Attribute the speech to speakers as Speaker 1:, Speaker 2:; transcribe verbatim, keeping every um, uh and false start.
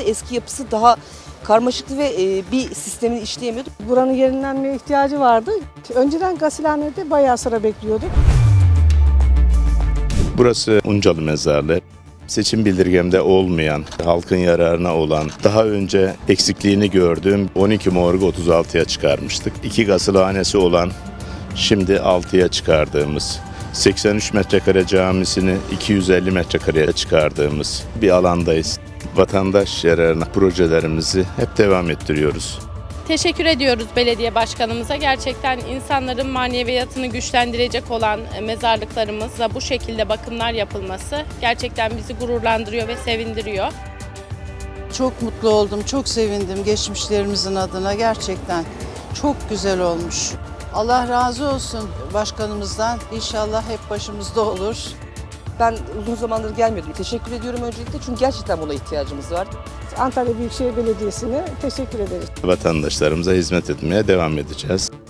Speaker 1: de eski yapısı daha karmaşıktı ve bir sistemin işleyemiyordu.
Speaker 2: Buranın yenilenmeye ihtiyacı vardı. Önceden gasilhanede bayağı sıra bekliyorduk.
Speaker 3: Burası Uncalı Mezarlığı. Seçim bildirgemde olmayan, halkın yararına olan, daha önce eksikliğini gördüğüm on iki morgu otuz altıya çıkarmıştık. İki gasilhanesi olan, şimdi altıya çıkardığımız, seksen üç metrekare camisini iki yüz elli metrekareye çıkardığımız bir alandayız. Vatandaş yararına projelerimizi hep devam ettiriyoruz.
Speaker 4: Teşekkür ediyoruz belediye başkanımıza. Gerçekten insanların maneviyatını güçlendirecek olan mezarlıklarımızda bu şekilde bakımlar yapılması gerçekten bizi gururlandırıyor ve sevindiriyor.
Speaker 5: Çok mutlu oldum, çok sevindim geçmişlerimizin adına gerçekten. Çok güzel olmuş. Allah razı olsun başkanımızdan. İnşallah hep başımızda olur.
Speaker 1: Ben uzun zamandır gelmiyordum. Teşekkür ediyorum öncelikle çünkü gerçekten buna ihtiyacımız var.
Speaker 2: Antalya Büyükşehir Belediyesi'ne teşekkür ederiz.
Speaker 3: Vatandaşlarımıza hizmet etmeye devam edeceğiz.